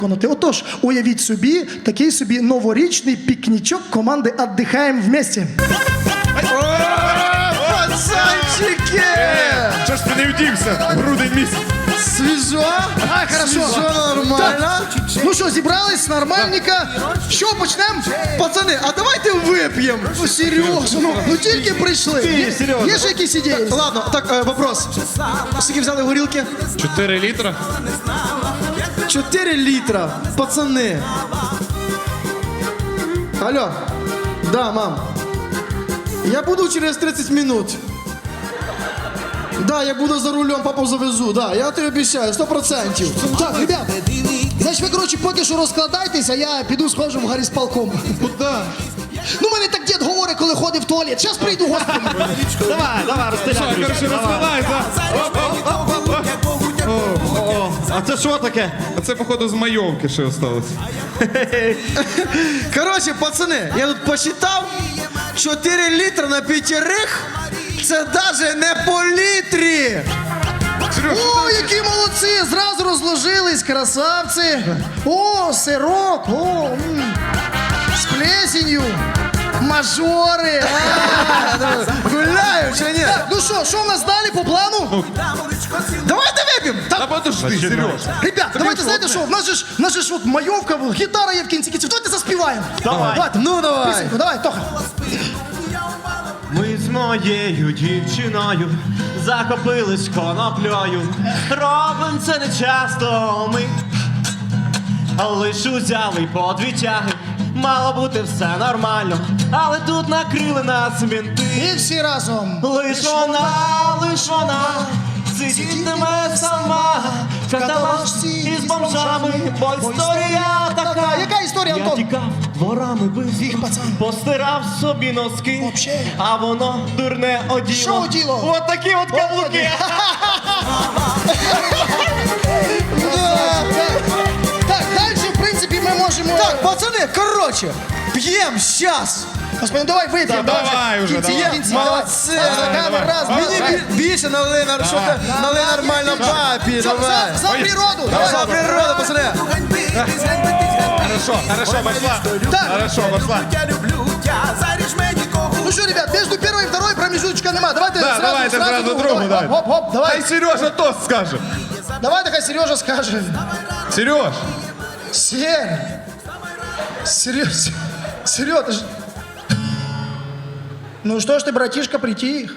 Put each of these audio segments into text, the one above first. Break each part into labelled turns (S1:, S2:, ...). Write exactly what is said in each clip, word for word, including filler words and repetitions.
S1: Отож, уявіть собі, такий собі новорічний пікнічок команди «Отдихаєм вместе».
S2: Пацанчики!
S3: Що ж ти не вдівся? Грудень місяць.
S2: Свіжо?
S1: А, хорошо.
S2: Свіжо, нормально.
S1: Так. Ну що, зібрались, нормальненько. Що, почнемо?
S2: Пацани, а давайте вип'ємо.
S1: Ну, Серйозно, ну, ну тільки прийшли. Є,
S2: Серйозно.
S1: є ж якісь ідеї?
S2: Ладно, так, е, вопрос. Скільки взяли горілки?
S3: Чотири літра?
S2: Чотири літра. Пацани. Алло. Да, мам. Я буду через тридцать минут. Да, я буду за рулем, папу завезу, да, я тобі обіцяю, сто процентів.
S1: Так, ребят, значить ви, коротше, поки що розкладайтеся, я піду схожу в гарісполком.
S2: Куда?
S1: Ну, мене так дід говорить, коли ходить в туалет. Зараз прийду, господи.
S4: Давай, давай, розстріляй.
S3: Короче, розкладайся.
S4: А це що таке?
S3: А це, походу, з майовки ще осталось.
S2: Короче, пацани, я тут посчитав, чотири літра на п'ятерих, це даже не по літрі.
S1: О, які молодці, зразу розложились, красавці. О, сирок, о, м, з плесенью, мажори. А.
S2: Гуляю чи ні?
S1: Так, ну що, що в нас далі по плану?
S2: Давайте вип'ємо.
S3: Та подожди, Сереж.
S1: Ребят, давайте, знаєте що, в нас же ж, в нас же ж от майовка, гітара є в кінці кінців. Давайте заспіваємо.
S4: Давай.
S1: Давайте.
S2: Ну давай.
S1: Пісеньку, давай, Тоха.
S4: Ми з моєю дівчиною захопились коноплею. Робим це не часто ми, лиш узяли по дві тяги. Мало бути все нормально, але тут накрили нас мінти.
S1: І всі разом.
S4: Лиш вона, лиш вона сидітиме сама в каталажці із бомжами, бо історія така.
S1: Яка історія,
S4: Я
S1: Антон?
S4: тікав дворами бив,
S1: Їх, пацан.
S4: постирав собі носки,
S1: Вообще.
S4: а воно дурне оділо.
S1: Що оділо?
S4: От такі от каблуки.
S1: Так, далі, в принципі, ми можемо...
S2: Так, пацани, короче, п'ємо щас.
S1: Господи, давай вип'ємо.
S3: Та давай уже,
S1: Кінці,
S3: давай.
S1: кінці, давай.
S2: Молодці.
S1: Давай, раз, два,
S2: Мені
S1: давай.
S2: бі- більше налили, нар- що ти, налили нормально папі,
S1: За,
S2: давай.
S1: за природу.
S2: За
S1: Давай.
S2: природу, пацани.
S3: Хорошо, хорошо, пошла.
S1: Так.
S3: Хорошо, пошла.
S1: Ну что, ребят, между первой и второй промежуточка нема. Давайте
S3: Да,
S1: сразу,
S3: давайте сразу другу,
S1: Давай,
S3: давай.
S1: Хоп, хоп, давай.
S3: Хай Сережа тост скаже.
S1: Давай, такая Сережа скажет.
S3: Сереж,
S1: Сер. Сереж. Сереж, ты ж... Ну что ж ты, братишка, притих?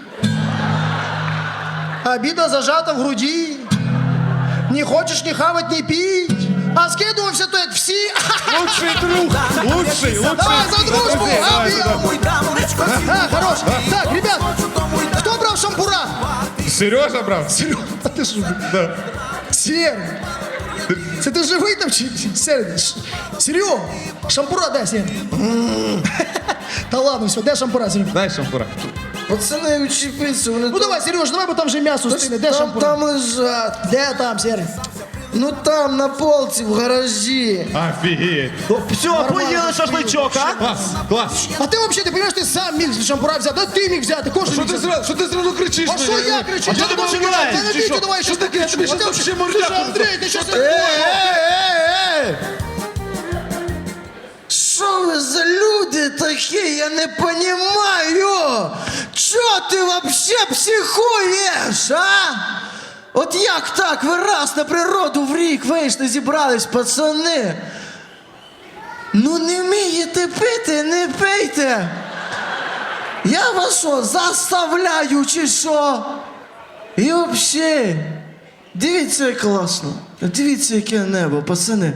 S1: Обида зажата в груди. Не хочешь ни хавать, ни пить. А скидываемся то это все.
S3: лучший друг. Лучший, лучший.
S1: Давай за дружбу.
S3: Давай,
S1: Объем.
S3: давай.
S1: А, хорош. Так, ребят, кто брал шампура?
S3: Сережа брав?
S1: Серега, а ти що?
S3: Да.
S1: Сер, це ти живий там чи чи- Сер? Ш- Серега, шампура дай, Сер. Та ладно, все, де шампура, Серега?
S3: Дай шампура.
S2: Пацани, учепіться, вони
S1: Ну давай, Сереж, давай, бо там вже м'ясо стине. Де
S2: там,
S1: шампура?
S2: там лежать.
S1: Де там, Сер?
S2: Ну там, на полці, в гаражі.
S3: Офігеть.
S4: Все, поїли шашличок, а?
S3: Клас, клас.
S1: А ти взагалі, ти розумієш, ти сам міг шампура взяти, да ти міг взяти, кожен
S3: Що
S1: міг
S3: ти
S1: взяти.
S3: зразу, що ти зразу кричиш?
S1: А що я кричу?
S3: А що ти
S1: думав,
S3: починаєш?
S1: Та не
S3: Чи
S1: бійте,
S3: що?
S1: давай, що таке?
S3: Тобі
S1: А
S3: що
S1: ти
S3: там
S1: взагалі-
S3: ще
S1: Ти
S3: мордяку?
S1: що, Андрій, ти що
S2: Ей,
S1: таке?
S2: ей, ей, ей! Що ви за люди такі? Я не понімаю. Чо ти вообще психуєш, а? От як так? Ви раз на природу в рік вийшли, зібрались, пацани. Ну не вмієте пити, не пийте. Я вас що, заставляю чи що? І взагалі, дивіться, як класно. Дивіться, яке небо, пацани.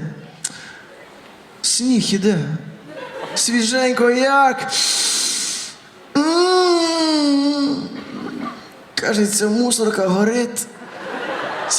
S2: Сніг іде. Свіженько як. М-м-м. Кажеться, мусорка горить.